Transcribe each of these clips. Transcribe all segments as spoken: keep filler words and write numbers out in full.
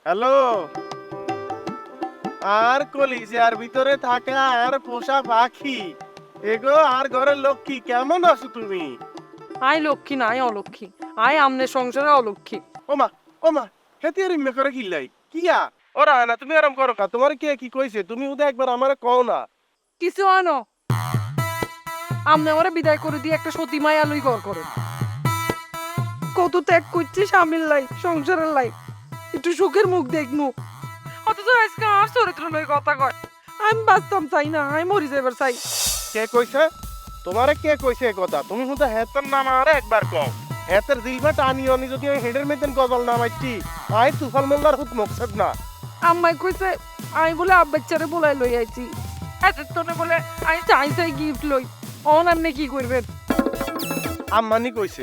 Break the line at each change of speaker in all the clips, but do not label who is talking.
Hello. আর কলিজার ভিতরে থাকা আর পোষা পাখি এগো আর ঘরের লক্ষ্মী, কেমন আছো তুমি?
আই লক্ষ্মী না আই অলক্ষ্মী। আই আমনে সংসারে অলক্ষ্মী।
ওমা ওমা, হেতি আর ইম্মে করে কিল্লাই কিয়া? ওরা না তুমি আরাম করো কা, তোমার কে কি কইছে? তুমি উদে একবার আমারে কও না।
কিছু আনো আমনে আমারে বিদায় করে দিয়ে একটা সতী মায়া লই ঘর করে কত ত্যাগ করছি স্বামীর লাই সংসারের লাই, একটু সুখের মুখ দেখনু। অথচ আজকে আমার চরিত্র লই কথা কয়। আমি বাঁচতাম চাই না, আমি মরি যাইবার চাই।
কে কইছে? তোমারে কে কইছে এ কথা? তুমি হুদা হেতের নাম আরে একবার কও। হেতের দিলবা টানি অনি যদি আমি হেডের মেতেন গজল নামাইছি, আই তুফাল মোল্লার হুত মকসদ না।
আম্মাই কইছে আমি বলে আব্বাচ্চারে বলাই লই আইছি, এতের তনে বলে আমি চাই চাই গিফট লই। অন আপনি কি করবেন?
আম্মানি কইছে।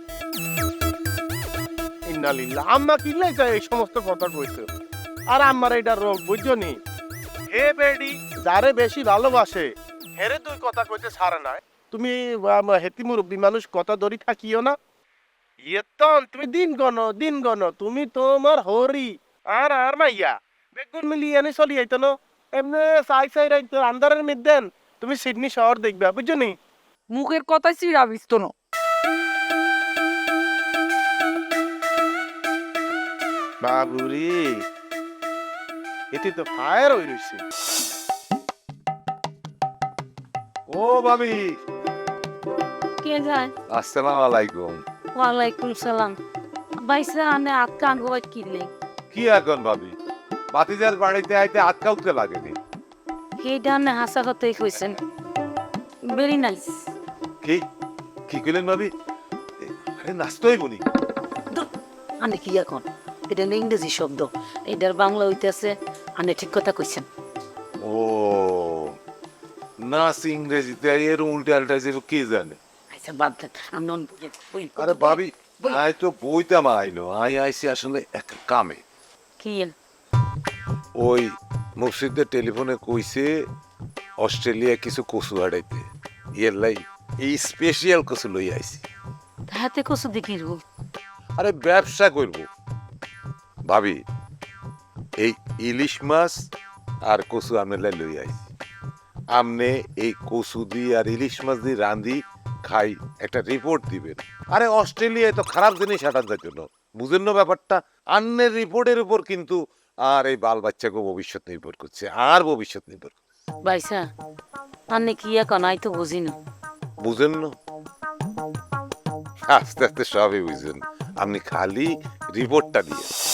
ইন্নালিল্লাহ, আম্মা কিল্লাই যায় এই সমস্ত কথা কইছে। আর আম্মার এটা রোগ বুঝছনি। হে বেডি যারে বেশি ভালোবাসে হেরে তুই কথা কইতে ছাড়ে না। তুমি আম, হেতি মুরব্বী মানুষ কথা ধরি থাকিও না। ইয়েতন তুমি দিন গণ দিন গণ তুমি তোমার হরি আর আর মাইয়া বেগুন মিলিয়ে এনে চলি আইতো না। এমনি চাই চাই রাইতো আন্দারের মধ্যে তুমি সিডনি শহর দেখবা বুঝছনি।
মুখের কথাই চিড়া বিস্ত না।
বাবুরি এটি তো ফায়ার হয়ে রয়েছে।
ও ভাবি,
কে যায়?
আসসালামু আলাইকুম।
ওয়ালাইকুম সালাম। বাইসা আনে আটকা আঙ্গুয়াই কিনলে
কি এখন ভাবি, বাতিজার বাড়িতে আইতে আটকা উঠতে লাগেনি?
সেইটা আনে হাসা কথাই কইছেন। Very nice.
কি কি কইলেন ভাবি? এ, আরে নাচতই বনি।
আনে কি এখন? এটা হলো ইংরেজি শব্দ, এটার বাংলা হইতেছে আনে ঠিক কথা কইছেন।
ও নাচ ইংরেজিতে এর উল্টে আলটা যে কি জানে।
আচ্ছা বাদ দেন, আমি নন বুঝে বই-
আরে ভাবি, আই তো বইতাম আইলো, আই আইছি আসলে এক কামে।
কি এল?
ওই মুর্শিদের টেলিফোনে কইছে অস্ট্রেলিয়া কিছু কচু হারাইতে, ইয়ের লাই এই স্পেশাল কচু লই আইছি।
হাতে কসু দেখি রু।
আরে ব্যবসা করব ভাবি, এই ইলিশ মাছ আর কচু আমনে লাই লই আইছি। আমনে এই কচু দিয়ে আর ইলিশ মাছ দিয়ে রান্ধি খাই, একটা রিপোর্ট দিবেন। আরে অস্ট্রেলিয়ায় তো খারাপ জিনিস হাঁটান যাইতো না, বুঝেন না ব্যাপারটা? আন্নের রিপোর্টের উপর কিন্তু আর এই বাল বাচ্চাকে ভবিষ্যৎ নির্ভর করছে, আর ভবিষ্যৎ নির্ভর করছে।
বাইসা আনে কি এখন? আই তো বুঝি না।
বুঝেন না? আস্তে আস্তে সবই বুঝবেন, আপনি খালি রিপোর্টটা দিয়ে